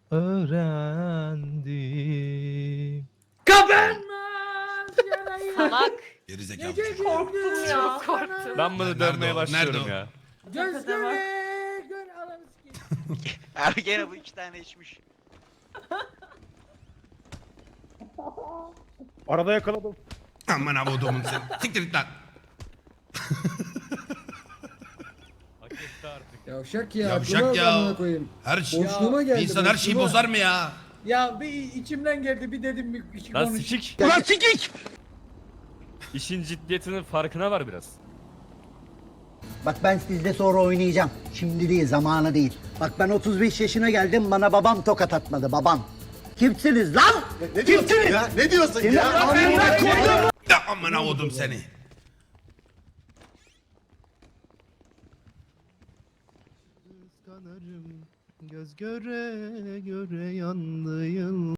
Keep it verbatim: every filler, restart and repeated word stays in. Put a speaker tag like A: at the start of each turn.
A: öğrendim.
B: Kapanmaz yarayı.
C: Salak.
D: Gerizekalı.
B: Gece
D: çocuk.
C: Korktum ya.
B: gündüz
C: Çok korktum.
A: Ben bunu
D: Nerede
A: dövmeye
D: o?
A: başlıyorum
D: Nerede o?
A: ya.
B: Göz göre gör ananı sikeyim.
E: Abi gene bu iki tane içmiş.
F: Arada yakaladım.
D: Aman avodumun sen. Siktir git lan.
A: Hak etti artık.
B: Yavşak ya.
D: Yavşak
B: aklına
D: ya.
B: amına koyayım.
D: Her şey.
B: Boşluğuma geldi.
D: Bir insan her şeyi
B: boşluğuma.
D: bozar mı ya?
B: Ya bir içimden geldi bir dedim bir iki
A: Lan
B: konuş.
A: sikik.
D: Ulan sikik!
A: İşin ciddiyetinin farkına var biraz.
G: Bak ben sizle sonra oynayacağım. Şimdi değil, zamanı değil. Bak ben otuz beş yaşına geldim, bana babam tokat atmadı, babam. Kimsiniz lan?
H: Ne diyorsun
G: Kimsiniz?
H: ya? Ne diyorsun
G: Seni
H: ya?
G: amına koydum.
D: Ya aman avodum seni.
A: Kıskanırım göz göre göre yandı yıl.